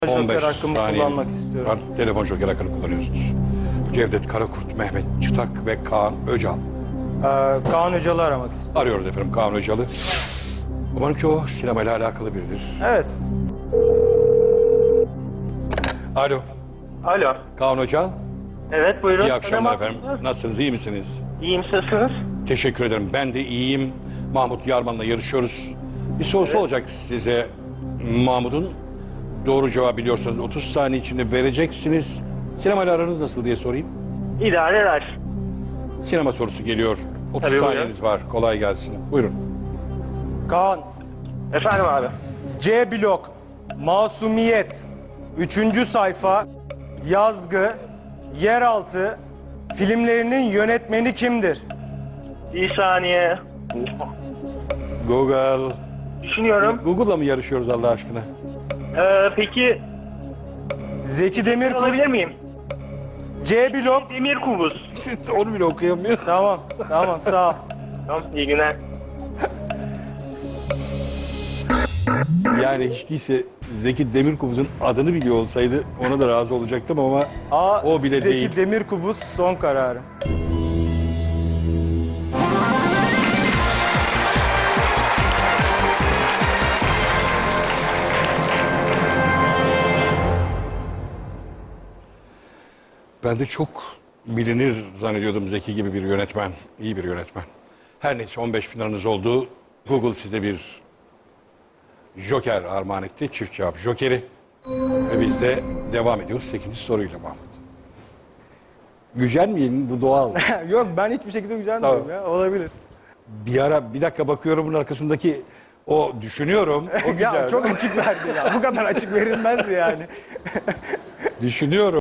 Joker 15 hakkımı saniye kullanmak istiyorum. var. Telefon joker hakkını kullanıyorsunuz. Cevdet Karakurt, Mehmet Çıtak ve Kaan Öcal. Kaan Öcal'ı aramak istiyorum. Arıyoruz efendim Kaan Öcal'ı. Umarım ki o sinemayla alakalı biridir. Evet. Alo, Alo. Kaan Öcal. Evet buyurun. İyi akşamlar Merhaba. efendim. Nasılsınız, iyi misiniz? İyiyim siz nasılsınız? Teşekkür ederim. Ben de iyiyim. Mahmut Yarman'la yarışıyoruz. Bir sorusu olacak size. Mahmut'un doğru cevabı biliyorsanız 30 saniye içinde vereceksiniz. Sinemayla aranız nasıl diye sorayım. İdare eder. Sinema sorusu geliyor. 30 Tabii, buyurun. saniyeniz var. Kolay gelsin. Buyurun. Kaan. Efendim abi. C blok. Masumiyet. 3. sayfa. Yazgı. Yeraltı. Filmlerinin yönetmeni kimdir? Bir saniye. Google. Düşünüyorum. Google'la mı yarışıyoruz Allah aşkına? Peki Zeki Demirkubuz. alabilir miyim? C blok. Demir Kubuz. Onu bile okuyamıyor. Tamam. Tamam sağ ol. Tamam iyi günler. Yani hiç değilse Zeki Demirkubuz'un adını biliyor olsaydı ona da razı olacaktım ama A. o bile Zeki değil. Demirkubuz son kararım. Ben de çok bilinir zannediyordum Zeki gibi bir yönetmen. İyi bir yönetmen. Her neyse 15 bin liranız oldu. Google size bir Joker armağan etti. Çift cevap Joker'i. Ve biz de devam ediyoruz 8. soruyla Mahmut. Gücenmeyin, bu doğal. Yok ben hiçbir şekilde gücenmiyorum Tamam. ya. Olabilir. Bir dakika bakıyorum bunun arkasındaki o düşünüyorum. O güzel. Ya çok açık verdi ya. Bu kadar açık verilmez yani. Düşünüyorum.